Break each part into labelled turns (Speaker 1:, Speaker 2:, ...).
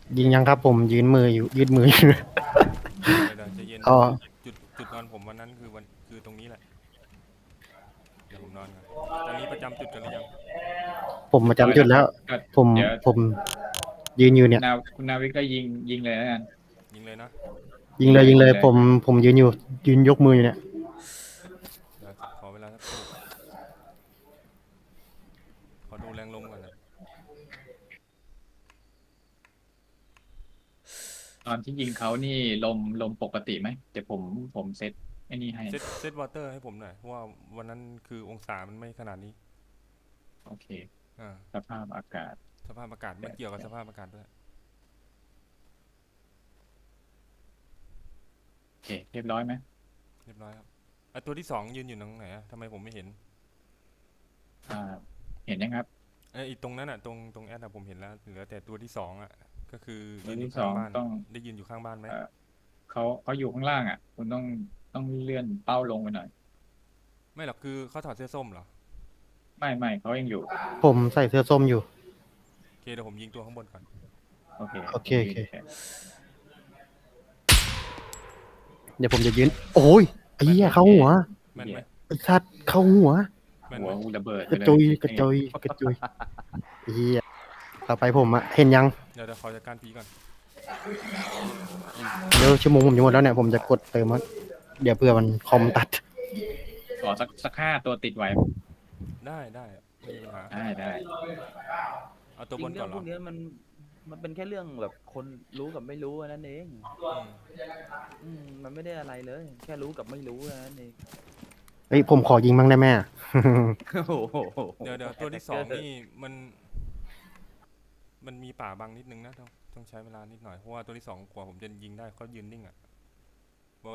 Speaker 1: ยิงยังครับผมยืนมืออยู่
Speaker 2: เดี๋ยวใจะเย็น
Speaker 1: อ๋อ
Speaker 2: จุดนอนผมวันนั้นคือตรงนี้แหละเดี๋ยวผมนอนก่อนตอนนี้ประจำจุดกันหรือยัง
Speaker 1: ผมมา
Speaker 3: เรียบร้อย
Speaker 1: จำจุดแล้ว
Speaker 3: แล้วครับก็
Speaker 1: ผม
Speaker 3: เดี๋ยว
Speaker 1: ผมยืนอยู่เนี่ย
Speaker 3: คุณนาวิกก็ยิงเลยแล้วกัน
Speaker 2: ยิงเลยนะ
Speaker 1: ยิงเลย
Speaker 3: ยิงเลย
Speaker 1: ผมยืนอยู่ยืนยกมืออยู่เนี่ย
Speaker 2: เดี๋ยวขอเวลาสักครู่ขอดูแรงลมก่อนนะ
Speaker 3: ตอนที่ยิงเขานี่ลมปกติไหมเดี๋ยวผมเซตไอ้นี่ให้
Speaker 2: เซตวอเตอร์ให้ผมหน่อยเพราะว่าวันนั้นคือองศามันไม่ขนาดนี้
Speaker 3: โอเค
Speaker 2: อ่า
Speaker 3: สภาพอากาศ
Speaker 2: สภาพอากาศมันเกี่ยวกับสภาพอากาศด้วย
Speaker 3: โอเคเรียบร้อยไหม
Speaker 2: เรียบร้อยครับตัวที่สองยืนอยู่ตรงไหนอะทำไมผมไม่เห็น
Speaker 3: อ่าเห็นยังครับ
Speaker 2: อีตรงนั้นอะตรงแอดอะผมเห็นแล้วเหลือแต่ตัวที่สองอะก็คือยื
Speaker 3: ตัวที่ส
Speaker 2: นอยู่ข้างบ้าน
Speaker 3: องต้อง
Speaker 2: ได้ยืนอยู่ข้างบ้านไหม
Speaker 3: เขาอยู่ข้างล่างอ่ะคุณต้องเลื่อนเป้าลงไปหน่อย
Speaker 2: ไม่หรอกคือเขาถอดเสื้อส้มเหรอ
Speaker 3: ไม่เขายังอยู่
Speaker 1: ผมใส่เสื้อส้มอยู่
Speaker 2: โอเคเดี๋ยวผมยิงตัวข้างบนก่อน
Speaker 3: โอเค
Speaker 1: โอเคเดี๋ยวผมจะยืนโอ้ยไอ้เหี้ยเข้าหัว
Speaker 2: แม่นไหม
Speaker 1: ไอ้สัตว์เข้าหัว
Speaker 2: แม่น
Speaker 3: หั
Speaker 2: ไหม
Speaker 3: วระเบิด
Speaker 1: กระจุยกระจุยกระจุยไอ้เหี้ยต่อไปผมอะเห็นยัง
Speaker 2: เดี๋ยวขอจัดการผีก่อน
Speaker 1: เดี๋ยวชั่วโมงผมจะหมดแล้วเนี่ยผมจะกดเติมมันเดี๋ยวเพื่อมันคอมตัด
Speaker 3: ขอสัก5 ตัวติดไว้
Speaker 2: ได้ไม่มีปัญหา
Speaker 3: ได้
Speaker 2: เอาตัว
Speaker 4: จริ
Speaker 2: บ
Speaker 4: งเรื่องพว
Speaker 2: นก่อนเหรอ
Speaker 4: กนี้มันเป็นแค่เรื่องแบบคนรู้กับไม่รู้นั่นเอง
Speaker 2: อืม
Speaker 4: มันไม่ได้อะไรเลย แค่รู้กับไม่รู้นั่นเอง
Speaker 1: เฮ้ยผมขอยิงบ้างได้ไหมอะ
Speaker 4: โอ้โห
Speaker 2: เดี๋ยวตัวที่สองนี่มันมีป่าบังนิดนึงนะต้องใช้เวลานิดหน่อยเพราะว่าตัวที่สองกว่าผมจะยิงได้เขายืนนิ่งอ่ะว่า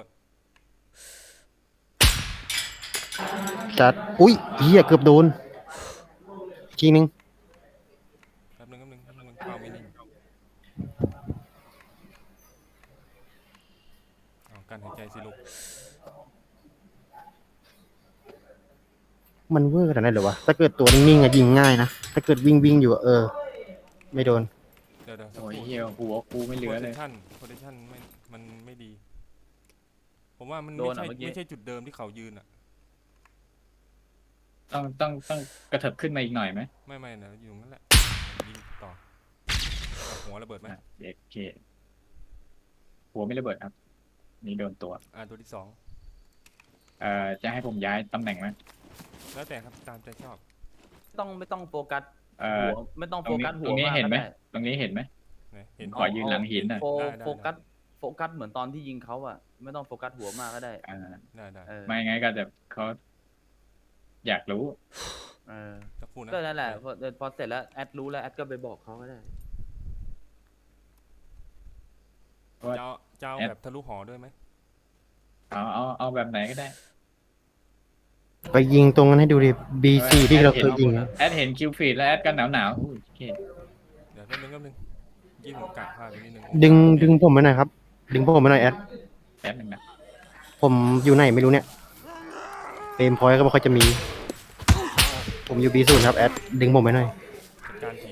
Speaker 1: จัดอุ้ยเหี้ยเกือบโดนอีกทีนึง
Speaker 2: แป๊บนึงเป้าไม่นิ่งการหายใจสิลูก
Speaker 1: มันเวอร์ขนาดนั้นเหรอวะถ้าเกิดตัวนิ่งๆอะยิงง่ายนะถ้าเกิดวิ่งอยู่อะไม่โดน
Speaker 2: เดี๋ยวสัก
Speaker 3: โอ้ย
Speaker 2: ครู่
Speaker 3: เหี้ยหัวกูไม่เหลือเลย
Speaker 2: โพซิชั่นมันไม่ดีผมว่ามัน
Speaker 4: โดนอ่ะเมื่อกี้
Speaker 2: ไม่ใช่จุดเดิมที่เขายืนอ่ะ
Speaker 3: ต้องกระเถิบขึ้นมาอีกหน่อยไหม
Speaker 2: ไม่นะอยู่ตรงนั้นแหละยิงต่อหัวระเบิดไหม
Speaker 3: โอเคหัวไม่ระเบิดครับนี่โดนตัว
Speaker 2: ตัวที่สอง
Speaker 3: จะให้ผมย้ายตำแหน่งไหม
Speaker 2: แล้วแต่ครับตามใจชอบ
Speaker 4: ไม่ต้องโฟกัสหั
Speaker 3: หั
Speaker 4: วไม่ต้อง
Speaker 3: ตรงนี้
Speaker 4: โฟกัสหัว
Speaker 3: ตรงนี้
Speaker 4: มาก
Speaker 3: เห็น
Speaker 4: ก็
Speaker 3: ไหม
Speaker 4: ได้
Speaker 3: ตรงนี้เห็นไหม
Speaker 2: เห็น
Speaker 3: ขอยืนหลังหินหน่อย
Speaker 4: โฟกัสเหมือนตอนที่ยิงเขาอะไม่ต้องโฟกัสหัวมากก็ได้
Speaker 2: ได้
Speaker 3: ไม่งั้นก็จะเขาอยากรู้
Speaker 2: สักครู่นะ
Speaker 4: ก็นั่นแหละพอเสร็จแล้วแอดรู้แล้วแอดก็ไปบอกเขาก็ได้
Speaker 2: จะเอาแบบทะลุหอด้วยไหม
Speaker 3: เอาแบบไหนก็ได้
Speaker 1: ไปยิงตรงนั้นให้ดูดิ B4 ที่เราเคยยิงนะ
Speaker 3: แอดเห็นคิวฟีดแล้วแอดก็หนาวโอเค
Speaker 2: เดี๋ยวแป๊บนึงยี่ผมกะพลาดไปนิดนึง
Speaker 1: ดึงผมไปหน่อยครับดึงผมไปหน่อยแอด
Speaker 3: แป๊บนึงนะ
Speaker 1: ผมอยู่ไหนไม่รู้เนี่ยเฟรมพอยต์ก็ไม่ค่อยจะมี ผมอยู่ B0 ครับแอดดึงผมไปหน่อย
Speaker 2: จัดการผี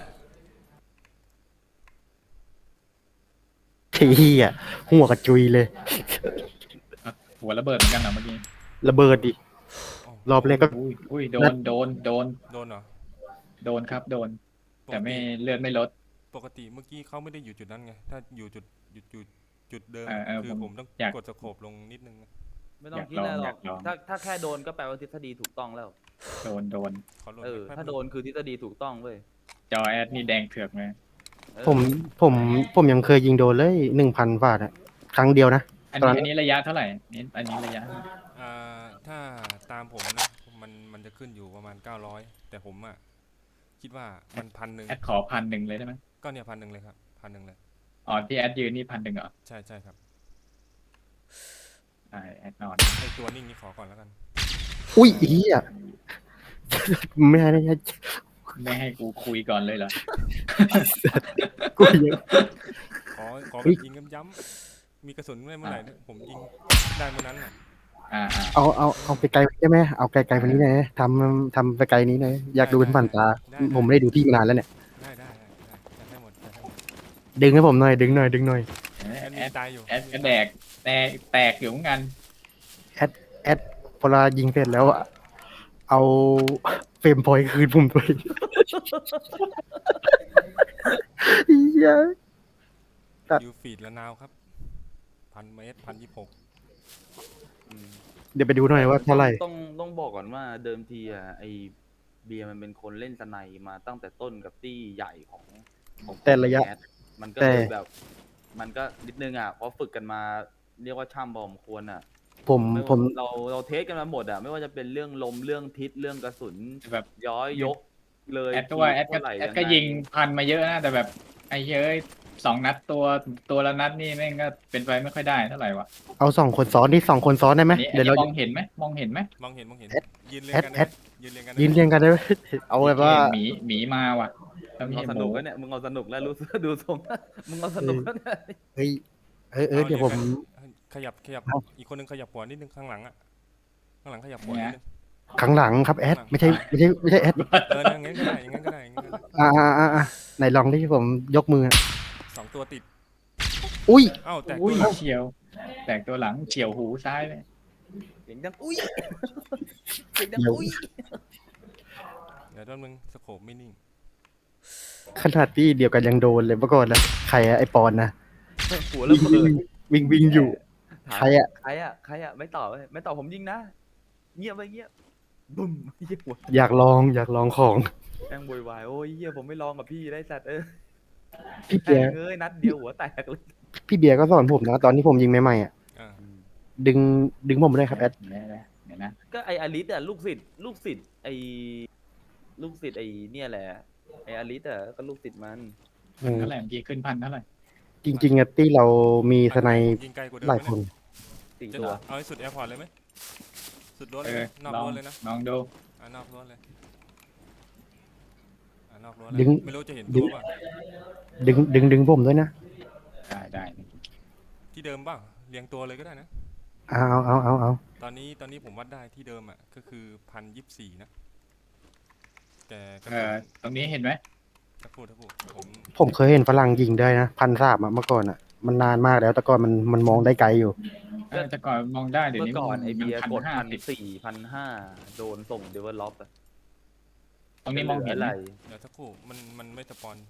Speaker 1: เฮียหัวกระจุยเลย
Speaker 3: หัวระเบิดเหมือนกันนะเมื่อกี้
Speaker 1: ระเบิดดิรอบแรกก็
Speaker 3: อุ้ยโดน
Speaker 2: เหรอ
Speaker 3: โดนครับโดนแต่ไม่เลือดไม่ลด
Speaker 2: ปกติเมื่อกี้เขาไม่ได้อยู่จุดนั้นไงถ้าอยู่จุดเดิมคือผมต้องกดสโคปลงนิดนึง
Speaker 4: ไม่ต้องคิดอะไรหรอกถ้าแค่โดนก็แปลว่าทฤษฎีถูกต้องแล้ว
Speaker 3: โดน
Speaker 4: ถ้าโดนคือทฤษฎีถูกต้องเว้ย
Speaker 3: จอแอดนี่แดงเถือกไหม
Speaker 1: ผมยังเคยยิงโดนเลย1,000 บาทอะครั้งเดียวนะ
Speaker 3: อันนี้ระยะเท่าไหร่อันนี้ระยะ
Speaker 2: ถ้าตามผมนะมันจะขึ้นอยู่ประมาณ900แต่ผมอ่ะคิดว่ามัน1,000
Speaker 3: แอดขอ1,000เลยได้ไหม
Speaker 2: ก็เนี่ย1,000เลยครับ1,000เลย
Speaker 3: ที่แอดยืนนี่1,000เหรอ
Speaker 2: ใช่ครับ
Speaker 3: แอดนอน
Speaker 2: ไอตัวนิ่งนี่ขอก่อนแล้วกัน
Speaker 1: อุ้ยอีอ่ะไม่
Speaker 3: ให้กูคุยก่อนเลยเหรอ
Speaker 1: กูยัง
Speaker 2: ขอแบบยิงย้ำมีกระสุนเมื่อไหร่ผมยิงได้เมื่อนั้นอ่ะ
Speaker 1: เอาไปไกลใช่ไหมเอาไกลๆวันนี้นะทำไปไกลนี้นะอยากดูเป็นผ่านตาผมไม่ได้ดูพี่มานานแล้วเนี่ย
Speaker 2: ได้ให้หมด
Speaker 1: ดึงให้ผมหน่อยดึงหน่อยดึงหน่อย
Speaker 3: แอ
Speaker 2: แอด
Speaker 3: ด
Speaker 2: มินตายอยู่
Speaker 3: แอดก็แดกแตกอยู่เหมือนกัน
Speaker 1: แอดพอเรายิงเสร็จแล้วอะเอาเฟรมพอยต์คืนผมด้วยเหี้ย
Speaker 2: ยูฟีดละนาวครับ1,000 เมตร1,026
Speaker 4: อืม
Speaker 1: เดี๋ยวไปดูหน่อยว่าเท่าไหร่
Speaker 4: ต้องบอกก่อนว่าเดิมทีอ่ะไอเบียร์มันเป็นคนเล่นสไนมาตั้งแต่ต้นกับตี้ใหญ่ของ
Speaker 1: แต่ระยะ
Speaker 4: แอดมันก็
Speaker 1: แต่
Speaker 4: เลยแบบ มันก็นิดนึงอ่ะเพราะฝึกกันมาเรียกว่าช่ำพอสมควรอ่ะ
Speaker 1: ผม
Speaker 4: ไม่
Speaker 1: ผม
Speaker 4: เราเทสกันมาหมดอ่ะไม่ว่าจะเป็นเรื่องลมเรื่องทิศเรื่องกระสุน
Speaker 3: แบบ
Speaker 4: ย้อยยกเลย
Speaker 3: แอดก็ว่าแอดก็
Speaker 4: เท่ไหร่
Speaker 3: แอดก็
Speaker 4: งไ
Speaker 3: ยิงพันมาเยอะนะแต่แบบไอ้เฮ้ย2 นัดตัวละนัดนี่แม่งก็เป็นไปไม่ค่อยได้เท่าไหร่วะ
Speaker 1: เอา2 คนซ้อนที่2 คนซ้อนได้ไหม
Speaker 3: อันนี้
Speaker 1: เดี๋ยวเรา
Speaker 3: มองเห็นไหมมองเห็นไหม
Speaker 2: มองเห็น
Speaker 1: แอด
Speaker 2: ยืนเรียงกัน
Speaker 1: แอ
Speaker 2: ได้
Speaker 1: ด
Speaker 2: ยืนเรียงกัน
Speaker 1: ยืนเรียงกันได้ไหมเอาแบบว่า
Speaker 3: หมีมาว่ะแล้ว
Speaker 4: มึง
Speaker 3: มี
Speaker 4: เอาส
Speaker 3: ห
Speaker 4: นุ
Speaker 3: มู
Speaker 4: กแล้วเนี่ยมึงเอาสนุกแล้วรู้สึกดูทรงมึงเอาสนุกแล้วเนี่ย
Speaker 1: เฮ้ยเดี๋ยวผม
Speaker 2: ขยับ
Speaker 1: เอา
Speaker 2: อีกคนนึงขยับหัวนิดนึงข้างหลังอ่ะข้างหลังขยับหัวนิดนึง
Speaker 1: ข้างหลังครับแอดไม่ใช่แอด
Speaker 2: อย่างงั้นก็ได้อย่างงั้นก็ได้อย่างงั้นก็ได้
Speaker 1: ไหนลองที่ผมยกมือ
Speaker 2: 2 ตัวติด
Speaker 1: อุ้ย
Speaker 2: เอ้าแต่
Speaker 3: อุ้ย
Speaker 2: ตัวหลัง
Speaker 3: เฉียว แตกตัวหลังเฉียวหูซ้ายเลย
Speaker 4: เสียงดังอุ้ยเสียงดังอุ้ย
Speaker 2: เดี๋ยวต้นมึงสโคปไม่นิ่ง
Speaker 1: ขนาดที่เดียวกันยังโดนเลยเมื่อก่อนนะใครอะไอปอนนะ
Speaker 4: หัวระเบิด
Speaker 1: วิ่งอยู่ ใครอะ
Speaker 4: ใครอะไม่ตอบเว้ยไม่ตอบผมยิงนะเงียบไปเงียบบึ้มเหี้ยหัว
Speaker 1: อยากลองของ
Speaker 4: แม่งโวยวายโอ้ยเหี้ยผมไม่ลองกับพี่ได้สัตว์
Speaker 1: พี่เบียร์
Speaker 4: เอ้ยนัดเดียวหัวแตกเลย
Speaker 1: พี่เบียร์ก็สอนผมนะตอนที่ผมยิงใหม่ๆอะ
Speaker 2: อ่า
Speaker 1: ดึงผมด้วยครับแอด
Speaker 3: เดี๋ยวนะ
Speaker 4: ก็ไออลิสอะลูกศิษย์ไอลูกศิษย์ไอเนี่ยแหละไออลิสอะก็ลูกศิษย์มัน
Speaker 3: เท่าไหร่เมื่อกี้ขึ้นพันเท่าไหร่
Speaker 1: จริงๆอะที่เรามีสไน
Speaker 2: ยิงไกลกว่าเดิม
Speaker 1: หลาย
Speaker 2: ไหม
Speaker 1: คน
Speaker 4: สี่
Speaker 2: จะ
Speaker 4: ตัว
Speaker 2: เอาให้สุดแอร์พอร์ตเลยไหมสุดรั้ว
Speaker 3: เอ
Speaker 2: เลย
Speaker 3: อ
Speaker 2: นอก
Speaker 3: ลอง
Speaker 2: รั้วเลยนะ
Speaker 3: ลองดู
Speaker 2: นอกรั้วเลยนอกรั้วเลย
Speaker 1: ดึง
Speaker 2: ไม่รู้จะเห็น
Speaker 1: ดึ
Speaker 2: ตัว
Speaker 1: ง
Speaker 2: ป่ะ
Speaker 1: ดึงผมด้วยนะ
Speaker 3: ได้
Speaker 2: ที่เดิมป่ะเรียงตัวเลยก็ได้นะ
Speaker 1: เอา
Speaker 2: ตอนนี้ผมวัดได้ที่เดิมอ่ะก็คือ1,024นะแต่กระ
Speaker 3: เอ
Speaker 2: สุ
Speaker 3: อนตรงนี้เห็นไหม
Speaker 2: ถ้าพูดผม
Speaker 1: ผมเคยเห็นฝรั่งยิงได้นะ1,300อะเมื่อก่อนอะมันนานมากแล้วแต่ก่อนมันมองได้ไกลอยู่
Speaker 3: แต่ก่อนมองได้เดี๋ยว
Speaker 4: เมื่อ
Speaker 3: นี้
Speaker 4: ก่อนไอเบียร์กด
Speaker 3: 1,510
Speaker 4: 1,400 1,500โดนส่งเดเวลลอป
Speaker 3: ตรงนี้มองเห็นไหม
Speaker 2: เดี๋ยวสักครู่มันไม่สปอน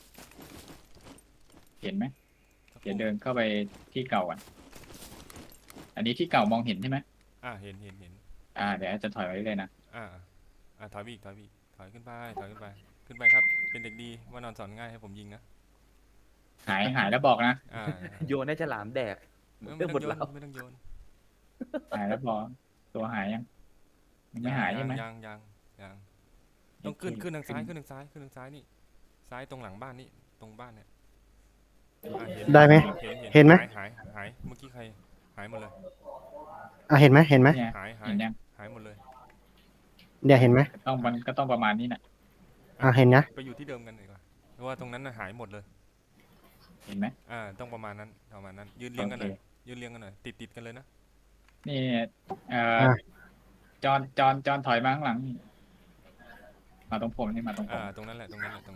Speaker 3: เห็นไหม
Speaker 2: สักค
Speaker 3: เดี๋ยว
Speaker 2: รู่
Speaker 3: เดินเข้าไปที่เก่าอ่ะอันนี้ที่เก่ามองเห็นใช่ไหม
Speaker 2: เห็น
Speaker 3: เดี๋ยวจะถอยไว้เลยนะ
Speaker 2: ถอยไปอีกถอยขึ้นไปขึ้นไปครับ เป็นเด็กดีว่านอนสอนง่ายให้ผมยิงนะ
Speaker 3: หายแล้วบอกนะ
Speaker 4: โยนให้ฉลามแดก
Speaker 2: ไม่ต้องโยนไม่ต้องโยน
Speaker 3: หายแล้วบอกตัวหายยังไม่หายใช่ไหม
Speaker 2: ยังต้องขึ้นทางซ้ายขึ้นทางซ้ายนี่ซ้ายตรงหลังบ้านนี่ตรงบ้านเนี่ย
Speaker 1: ได้ไหมเห็นไหม
Speaker 2: หายเมื่อกี้ใครหายหมดเลย
Speaker 1: เห็นไหม
Speaker 3: เนี่ย
Speaker 2: หาย
Speaker 3: เห็นยัง
Speaker 2: หายหมดเลย
Speaker 1: เนี่ยเห็นไหม
Speaker 3: ก็ต้องประมาณนี้นะ
Speaker 1: เห็นนะ
Speaker 2: ไปอยู่ที่เดิมกันดีกว่าเพราะว่าตรงนั้นน่ะหายหมดเลย
Speaker 3: เห็นไหม
Speaker 2: ต้องประมาณนั้นยืนเรียงกันหน่อย
Speaker 3: โอเค
Speaker 2: ยืนเรียงกันหน่อยติดกันเลยนะ
Speaker 3: นี่เอ่อ
Speaker 1: อ่ะ
Speaker 3: จอนถอยมาข้างหลังนี่มาตรงผมนี่มาตรงผม
Speaker 2: ตรงนั้นแหละ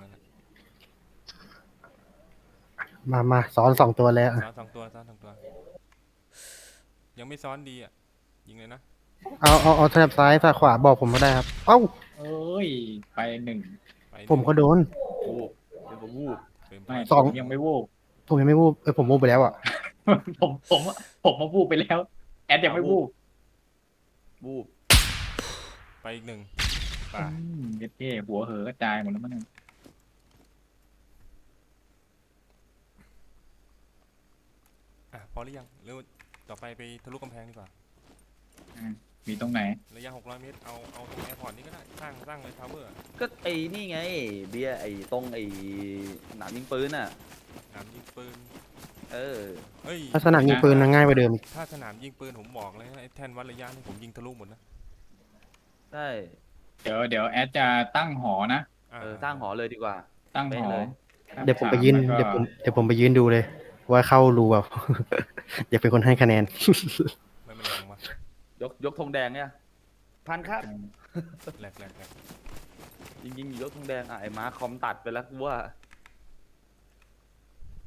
Speaker 1: มาซ้อน2 ตัวแล้ว
Speaker 2: ซ้อนสองตัวยังไม่ซ้อนดีอ่ะยิงเลยนะ
Speaker 1: เอาแถบซ้ายแถบขวาบอกผมก็ได้ครับเอ้า
Speaker 3: เอ้ยไป1
Speaker 2: ไป
Speaker 1: ผมก็โดน
Speaker 4: วูบเป็นผมวูบ
Speaker 2: เฟรม
Speaker 3: ไม่
Speaker 1: สอง
Speaker 3: ผมยังไม่วูบ
Speaker 1: ผมยังไม่วูบผมวูบไปแล้วอะ
Speaker 3: ผมมาวูบไปแล้ว แอดยังไม่วูบ
Speaker 4: วูบ
Speaker 2: ไปอีก1ป่า
Speaker 3: เท่หัวเหอกระจายหมดแล้วมั้งเนี่ย
Speaker 2: พอหรือยังเร็วต่อไปทะลุกำแพงดีกว่า
Speaker 3: มีตรงไหน
Speaker 2: ระยะ600 เมตรเอาตรงแอร์พอร์ตนี่ก็ได้สร้างเลยทาวเวอร์
Speaker 4: ก็ไอนี่ไงเบียร์ไอตรงไอหนามยิงปืนอ่ะ
Speaker 2: สนามยิงปืน
Speaker 4: เออ
Speaker 2: เฮ้ย
Speaker 1: ลักษณะยิงปืนง่ายกว่าเดิมอีก
Speaker 2: ถ้าสนามยิงปืนผมบอกเลยนะไอ้แท่นวัดระยะนี่ผมยิงทะลุหมดนะ
Speaker 4: ใช่
Speaker 3: เดี๋ยวแอดจะตั้งหอนะ
Speaker 4: สร้างหอเลยดีกว่า
Speaker 3: ตั้งหอ
Speaker 4: เป๊ะเลย
Speaker 1: เดี๋ยวผมไปยืน
Speaker 3: แล้วก็
Speaker 1: เดี๋ยวผมไปยืนดูเลย ว่าเข้ารูแบบ อยากเป็นคนให้คะแนน
Speaker 2: ไม่เป็นไรผมว่าย
Speaker 4: กธงแดงเนี่ยพันครับ
Speaker 2: แหลก
Speaker 4: ยิงยกธงแดงไอม้าคอมตัดไปแล้วกูว่า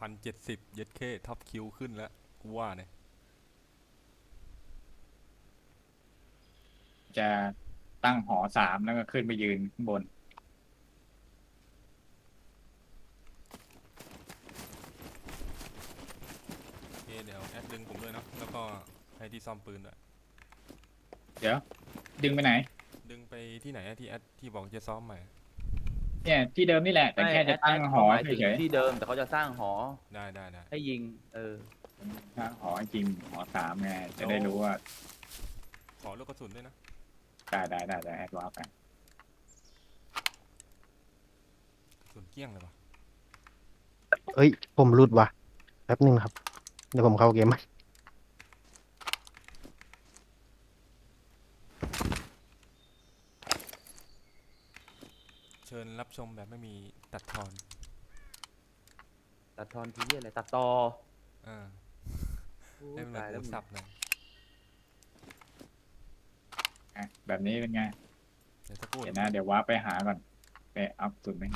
Speaker 2: 1,070เย็ดเคท็อปคิวขึ้นแล้วกูว่าเนี่ย
Speaker 3: จะตั้งหอสามแล้วก็ขึ้นไปยืนข้างบน
Speaker 2: โอเคเดี๋ยวแอดดึงผมด้วยเนาะแล้วก็ให้ที่ซ่อมปืนด้วย
Speaker 3: เดี๋ยว ดึงไปไหน
Speaker 2: ดึงไปที่ไหนอะที่แอดที่บอกจะซ้อมใหม่
Speaker 3: เนี่ยที่เดิมนี่แหละ แต่แค่จะตั้งหอ
Speaker 4: หมายถึง
Speaker 3: เฉย
Speaker 4: ที่เดิมแต่เขาจะสร้างหอ
Speaker 2: ได้ได้ได้
Speaker 4: ให้ยิง
Speaker 3: ๆตั้งหอจริงหอสามไงจะได้รู้ว่า
Speaker 2: ขอลูกกระสุนด้วยนะ
Speaker 3: ได้แอดวาร์ปไป
Speaker 2: กระสุนเกลี้ยงเลยวะ
Speaker 1: เอ้ย ผมหลุดว่ะแป๊บนึงครับ เดี๋ยวผมเข้าเกมใหม่
Speaker 2: เชิญรับชมแบบไม่มีตัดทอน
Speaker 4: ตัดทอนทีอะไรตัดต่อ
Speaker 2: อ่า
Speaker 4: โอ้
Speaker 2: ให้มัน
Speaker 4: ตาย
Speaker 2: ห
Speaker 4: แล้ว
Speaker 2: มู
Speaker 4: มึง
Speaker 2: สับหน่อย
Speaker 3: อ่ะแบบนี้เป็นไง
Speaker 2: เดี๋ยวสักครู่
Speaker 3: เดี๋ยวนะเดี๋ยววาร์ปไปหาก่อนไปอัพสุดไหม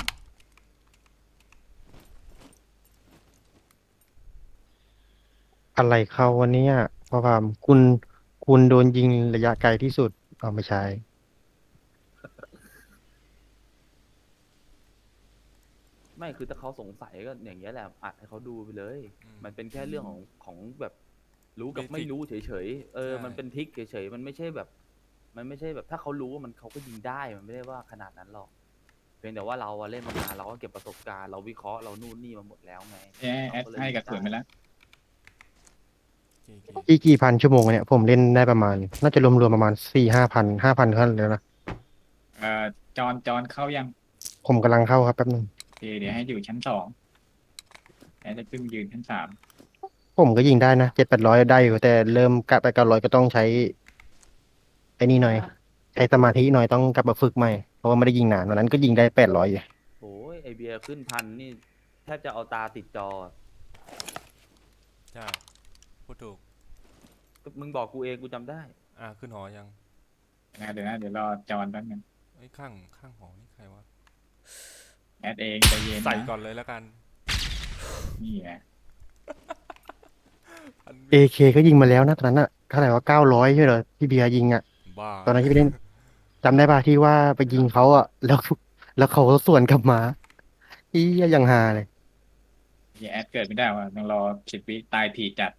Speaker 1: อะไรเข้าวันนี้เพราะว่าคุณโดนยิงระยะไกลที่สุดเอาไม่ใช่
Speaker 4: ไม่คือถ้าเขาสงสัยก็อย่างเงี้ยแหละอัดให้เขาดูไปเลย มันเป็นแค่เรื่องของแบบรู้กับไม่รู้เฉยๆมันเป็นทริกเฉยๆมันไม่ใช่แบบ มันไม่ใช่แบบถ้าเขารู้ว่ามันเขาก็ยิงได้มันไม่ได้ว่าขนาดนั้นหรอกเพียงแต่ว่าเราอะเล่นมานานเราก็เก็บประสบการณ์เราวิเคราะห์เรานู่นนี่มาหมดแล้วไง
Speaker 3: แอดให้กระสุนไปแล้ว
Speaker 2: โอเค
Speaker 1: กี่พันชั่วโมงเนี่ยผมเล่นได้ประมาณ น่าจะรวมๆประมาณ4-5,000 5,000ขั้นเลยนะ
Speaker 3: จอนเข้ายัง
Speaker 1: ผมกำลังเข้าครับแป๊บนึง
Speaker 3: โอเคเดี๋ยวให้อยู่ชั้นสองแอดจะขึ้นยืนชั้นสาม
Speaker 1: ผมก็ยิงได้นะ700-800ได้อยู่แต่เริ่มกะไป900ก็ต้องใช้ไอ้นี่หน่อยใช้สมาธิหน่อยต้องกลับมาฝึกใหม่เพราะว่าไม่ได้ยิงนานวันนั้นก็ยิงได้800อยู่
Speaker 4: โอ้ยไอเบียร์ขึ้นพันนี่แทบจะเอาตาติดจอ
Speaker 2: ใช่พูดถูก
Speaker 4: ก็มึงบอกกูเองกูจำได้
Speaker 2: ขึ้นหอยัง
Speaker 3: เดี๋ยวนะเดี๋ยวรอจอนแป๊บนึง
Speaker 2: ไอ้ยข้างหอนี่ใครวะ
Speaker 3: แอดเองใจเย็น
Speaker 2: ใส่
Speaker 3: นะ
Speaker 2: ก่อนเลยแล้วกัน
Speaker 3: นี่ไง
Speaker 1: AK ก็ยิงมาแล้วนะตอนนั้นอะเท่าไหร่ว่า900ใช่เหรอที่เบียร์ยิงอะ
Speaker 2: บ้า
Speaker 1: ตอนนั้นที่ไปเล่นจำได้ป่ะที่ว่าไปยิงเขาอะแล้วเขาสวนกลับมาอียังฮาเลย
Speaker 3: แอดเกิดไม่ได้ว่ะต้องรอ10 วิตายทีจัด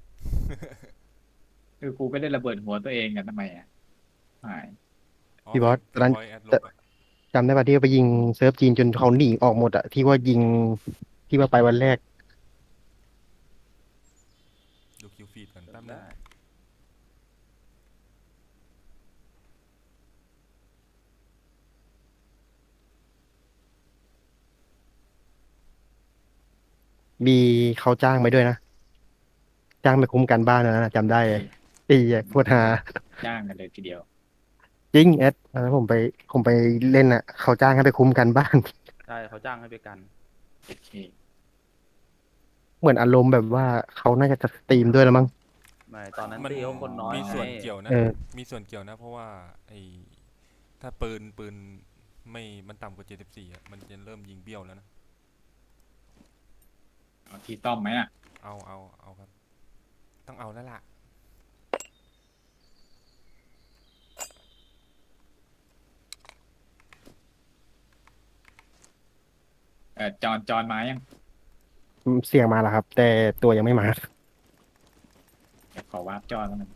Speaker 3: คือกูก็ได้ระเบิดหัวตัวเองกันทำไมอ่ะหาย
Speaker 1: พี่บอสตอนนั้น
Speaker 2: พอยแอดลบอะ
Speaker 1: จำได้ป่ะที่ว่าไปยิงเซิร์ฟจีนจนเขาหนีออกหมดอะที่ว่ายิงที่ว่าไปวันแรก
Speaker 2: ดูคิวฟีดก่อนแป๊บนึง
Speaker 4: ได้
Speaker 1: มีเขาจ้างไปด้วยนะจ้างไปคุ้มกันบ้านนะจำได้เลยตีโคตรฮา
Speaker 3: จ้างกันเลยทีเดียว
Speaker 1: จริงแอดตอนนั้นผมไปเล่นอะเขาจ้างให้ไปคุ้มกันบ้าน
Speaker 4: ใช่เขาจ้างให้ไปกัน
Speaker 3: โอเค
Speaker 1: เหมือนอารมณ์แบบว่าเขาน่าจะสตรีมด้วยแล้วมั้ง
Speaker 4: ไม่ตอนนั้น
Speaker 2: มัน
Speaker 4: ตีเขาคนน้อย
Speaker 2: มีส่วน
Speaker 4: ไง
Speaker 2: เกี่ยวนะ
Speaker 1: เออ
Speaker 2: มีส่วนเกี่ยวนะ เพราะว่าไอ้ถ้าปืนไม่มันต่ำกว่า74อะมันจะเริ่มยิงเบี้ยวแล้วนะ
Speaker 3: เอาที่ต้อมไหมอ่ะ
Speaker 2: เอาครับ ต้องเอาแล้วล่ะ
Speaker 3: จอนมายัง
Speaker 1: เสียงมาแล้วครับ แต่ตัวยังไม่มา
Speaker 3: เดี๋ยวขอวาร์ปจอนแล้วกัน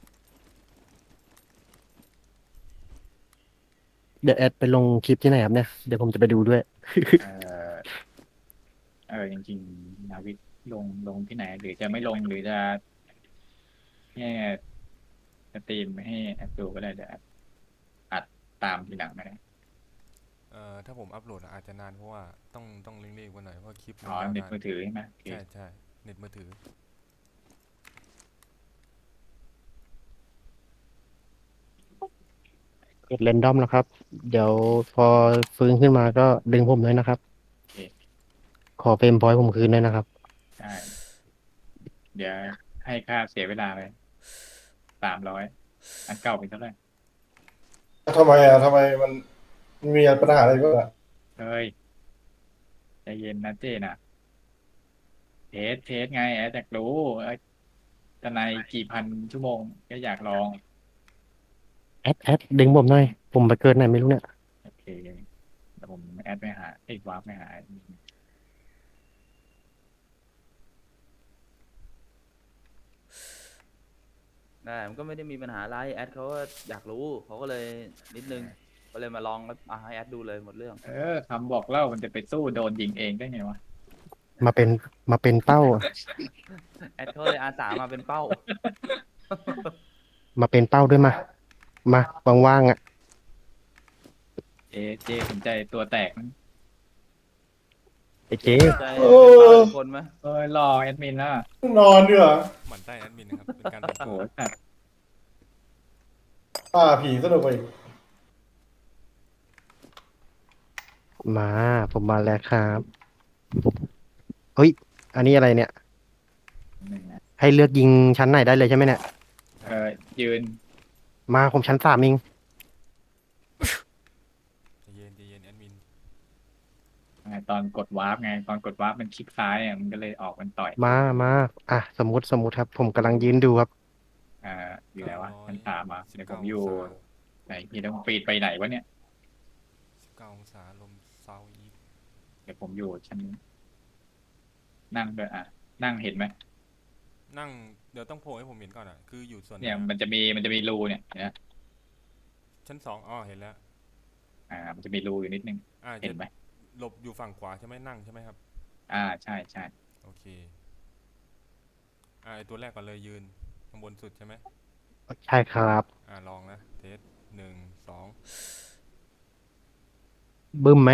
Speaker 1: เดี๋ยวแอดไปลงคลิปที่ไหนครับเนี่ยเดี๋ยวผมจะไปดูด้วย
Speaker 3: เออจริงๆนาวิกลงที่ไหน หรือจะไม่ลงหรือจะแค่สตรีมไม่ให้แอดดูก็ได้เดี๋ยวแอดอัดตามทีหลังก็ได้
Speaker 2: ถ้าผมอัพโหลดอะอาจจะนานเพราะว่าต้องเร่งๆกว่าหน่อยเพราะคลิปมัน
Speaker 3: อ๋อย
Speaker 2: าว
Speaker 3: เน็ต
Speaker 2: นาน
Speaker 3: มือถือใช่ไหมโอเค
Speaker 2: ใช่เน็ตมือถือ
Speaker 1: กดเรนดอมนะครับ เดี๋ยวพอฟื้นขึ้นมาก็ดึงผมด้วยนะครับ
Speaker 3: โอเค
Speaker 1: ขอเฟรมพอยต์ผมคืนด้วยนะครับ
Speaker 3: ได้เดี๋ยวให้ค่าเสียเวลาไป300อันเก่าเป็นเท่าไหร่
Speaker 5: ทำไมอ่ะทำไมมันมีปัญหาอะไรบ้างอ่ะ
Speaker 3: เฮ้ยใจเย็นนะเจนะเจเทสไงแอดอยากรู้จะในกี่พันชั่วโมงก็อยากลอง
Speaker 1: แอดดึงผมหน่อยผมไปเกิดไหนไม่รู้เนี่ย
Speaker 3: โอเคเดี๋ยวผมแอดไปหาวาร์ปไปหา
Speaker 4: นั่นแหละมันก็ไม่ได้มีปัญหาอะไรแอดเขาก็อยากรู้เขาก็เลยนิดนึงก็เลยมาลองแล้วให้แอดดูเลยหมดเรื่อง
Speaker 3: คำบอกเล่ามันจะไปสู้โดนยิงเองได้ไงวะ
Speaker 1: มาเป็นเป้า
Speaker 4: แอดเขาเลยอาสามาเป็นเป้า
Speaker 1: มาเป็นเป้าด้วยมาว่างๆอ่ะ
Speaker 3: เจสนใจตัวแตกมั้ย
Speaker 1: ไอ้เจ๊
Speaker 4: ใจเป็นเป้าทุกคนไหม
Speaker 3: รอแอดมินนะ
Speaker 5: นอนดีกว่า
Speaker 2: หมั่นไส้แอดมินนะครับเป็นการ
Speaker 3: โอ้โหสัตว์
Speaker 5: ป่าผีสนุกไปอีก
Speaker 1: มาผมมาแล้วครับเฮ้ยอันนี้อะไรเนี่ย
Speaker 3: หนึ่งนะ
Speaker 1: ให้เลือกยิงชั้นไหนได้เลยใช่ไหมเนี่ย
Speaker 3: ยืน
Speaker 1: มาผมชั้น3เอง
Speaker 2: ใจเย็นแอดมิน
Speaker 3: ตอนกดวาร์ปไงตอนกดวาร์ปมันคลิกซ้ายมันก็เลยออกมันต่อย
Speaker 1: มาอ่ะสมมติครับ ผมกำลังยืนดูครับ
Speaker 3: อยู่ไหนวะชั้นสามอ่ะเดี๋ยวผมอ
Speaker 2: 19
Speaker 3: ยู่ไหนพี่ต้องปีดไปไหนวะเนี่ย
Speaker 2: 19 องศาลมเซาอีฟ
Speaker 3: เดี๋ยวผมอยู่ชั้นนั่งด้วยนั่งเห็นไหม
Speaker 2: นั่งเดี๋ยวต้องโผล่ให้ผมเห็นก่อนอ่ะคืออยู่ส่วนไห
Speaker 3: เนี่ยมันจะมีรูเนี่ยเห็นไหม
Speaker 2: ชั้น2อ๋อเห็นแล้ว
Speaker 3: มันจะมีรูอยู่นิดนึง เห็นไหม
Speaker 2: หลบอยู่ฝั่งขวาใช่ไหมนั่งใช่ไหมครับ
Speaker 3: ใช่ใช่
Speaker 2: โอเคไอตัวแรกก่อนเลยยืนข้างบนสุดใช่ไหม
Speaker 1: ใช่ครับ
Speaker 2: ลองนะเทส1 2
Speaker 1: บึ้มไหม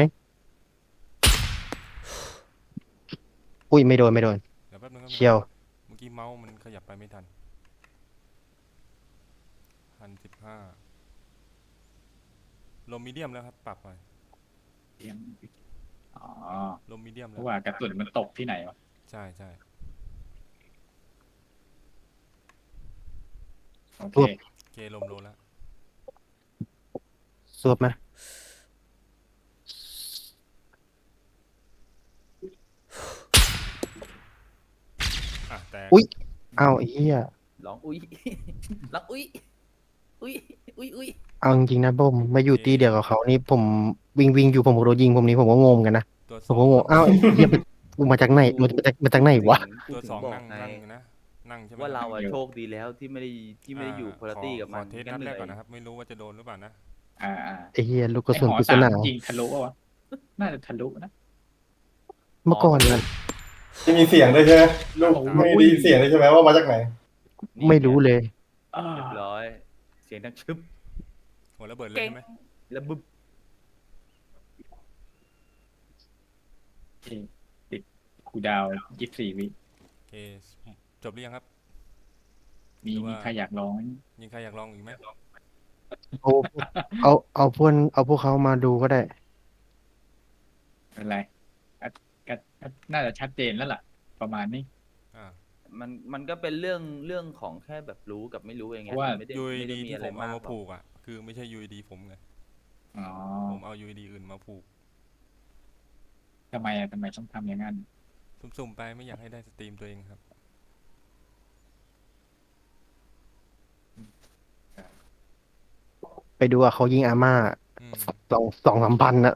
Speaker 1: อุ้ยไม่โดน
Speaker 2: เดี๋ยวแป๊บนึงครับ
Speaker 1: เชียว
Speaker 2: เมื่อกี้เมาส์มันขยับไปไม่ทัน1,015ลมมีเดียมแล้วครับปรับไป
Speaker 3: อ๋อ
Speaker 2: ลมมีเดียม
Speaker 3: เพ
Speaker 2: แล้ว
Speaker 3: ราะว่ากระสุนมันตกที่ไหนวะ
Speaker 2: ใช่
Speaker 3: โอเค
Speaker 2: โอเคลมโลแล้ว
Speaker 1: สวบไหม
Speaker 2: แต่
Speaker 1: อุ๊ย อ้าวไอ้เหี้ย
Speaker 4: ลองอุ้ย ลองอุ้ยอุ้ย
Speaker 1: เอาจริงๆนะผมมาอยู่ตีเดียวกับเขานี่ผมวิ่งอยู่ผมโดนยิงผมนี่ผมก็งงกันนะ
Speaker 2: ตัว
Speaker 1: ผ
Speaker 2: ส
Speaker 1: ม
Speaker 2: อ
Speaker 1: ก็
Speaker 2: ง
Speaker 1: งงอ้าวไอ้เหี้ยกูมาจากไหนมาจากไหนวะ
Speaker 4: กู
Speaker 2: ตัว
Speaker 4: ถึ
Speaker 2: สอง
Speaker 4: บอก
Speaker 2: นั่ง
Speaker 4: ไง
Speaker 2: นะนั่งใช่ไหม
Speaker 4: ว่าเรา
Speaker 2: คบ
Speaker 4: อะโชคดีแล้วที่ไม่ได้อยู่คุณภาพกับมัน
Speaker 2: ขอเทส
Speaker 4: งั้
Speaker 2: นั
Speaker 4: น
Speaker 2: ด
Speaker 4: เห
Speaker 2: แร
Speaker 4: นื่
Speaker 2: ก
Speaker 4: อย
Speaker 2: ก่อนนะครับ ไม่รู้ว่าจะโดนหรือเปล่านะ
Speaker 1: ไอ้เหี้ยลูกกระ
Speaker 3: ไอ
Speaker 1: สุน
Speaker 3: หอ
Speaker 1: ปริศ
Speaker 3: สาม
Speaker 1: นา
Speaker 3: ยิงทะลุวะน่าจะทะลุนะ
Speaker 1: เมื่อก่อนเนี่ย
Speaker 5: จะมีเสียงด้วยใช่ไหมลูกไม่ได้ยินเสียงเลยใช่ไหมว่ามาจากไหน
Speaker 1: ไม่รู้เลย
Speaker 4: เรียบร้อย เสียงดังชึบ
Speaker 2: หัวระเบิดเลย
Speaker 4: เก่ง
Speaker 2: ใช่ไหม
Speaker 4: แล้วบึ้บ
Speaker 3: ติดคูลดาวน์24 วิ
Speaker 2: โอเคจบหรือยังครับ
Speaker 3: มี
Speaker 2: หรือว่า
Speaker 3: ใครอยากลองไหม
Speaker 2: ยิงใครอยากลองอีกไหม
Speaker 1: เอาพวกเขามาดูก็ได้
Speaker 3: เป็นไรก็น่าจะชัดเจนแล้วล่ะ ประมาณนี้
Speaker 2: อ่า
Speaker 4: มันก็เป็นเรื่องของแค่แบบรู้กับไม่รู้เองไง
Speaker 3: ว่า
Speaker 4: ไม่ได้
Speaker 2: UID
Speaker 4: มี
Speaker 2: ที่
Speaker 4: อะไร
Speaker 2: ผมเอา
Speaker 4: มาก
Speaker 2: มา
Speaker 4: หรอก
Speaker 2: ผูกอ่ะคือไม่ใช่ UID ผมไง
Speaker 3: อ๋อ
Speaker 2: ผมเอา UID อื่นมาผูก
Speaker 3: ทำไมต้องทำอย่างนั้น
Speaker 2: สุ่มๆไปไม่อยากให้ได้สตรีมตัวเองครับ
Speaker 1: ไปดูว่าเขายิงอาม่า
Speaker 2: อืม
Speaker 1: 2-3 พันอะ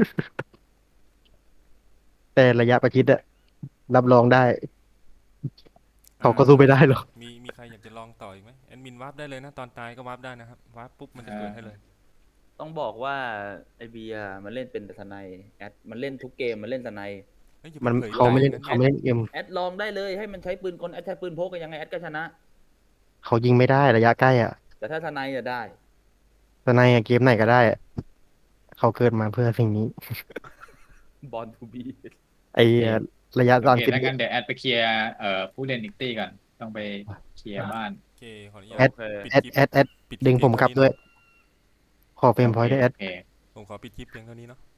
Speaker 1: แต่ระยะประชิดอะรับรองได้ เขาก็สู้ไม่ได้หรอก
Speaker 2: มีใครอยากจะลองต่ออีกไหมแอดมินวาร์ปได้เลยนะตอนตายก็วาร์ปได้นะครับวาร์ปปุ๊บมันจะเกิดให้เลย
Speaker 4: ต้องบอกว่าไอเบียร์มันเล่นเป็นแต่ทนายแอดมันเล่นทุกเกมมันเล่นทนาย
Speaker 2: เฮ้ยอย่า
Speaker 1: มัน
Speaker 2: ผย
Speaker 1: เขาไม่เล่น
Speaker 2: ใจนะ
Speaker 1: เขาไม่เล่นเอ็ม
Speaker 4: แอดลองได้เลยให้มันใช้ปืนกลแอดใช้ปืนพกก็ยังไงแอดก็ชนะ
Speaker 1: เขายิงไม่ได้ระยะใกล้อะ
Speaker 4: แต่ถ้าทนายจะได้
Speaker 1: แต่ในเกมไหนก็ได้อะเขาเกิดมาเพื่อสิ่งนี้
Speaker 4: บอลทูบี
Speaker 1: ไอ้ระยะ
Speaker 3: โอ
Speaker 1: ตอน
Speaker 3: เค
Speaker 1: สิบ
Speaker 3: ถ้างั้นเดี๋ยวแอดไปเคลียร์ผู้เล่นอีกตี้ก่อนต้องไปเคลียร์บ้าน
Speaker 2: โอเคขออนุญา
Speaker 1: แอ
Speaker 2: ต
Speaker 1: ด
Speaker 2: ปิด
Speaker 1: แอด
Speaker 2: คลิป
Speaker 1: แอด
Speaker 2: ปิคลิป
Speaker 1: ดึงผมกลับด้วย ขอเฟรมพอยต์ด้วยแอด
Speaker 3: โอเค
Speaker 2: ผมขอปิดคลิปเพียงเท่านี้เนาะ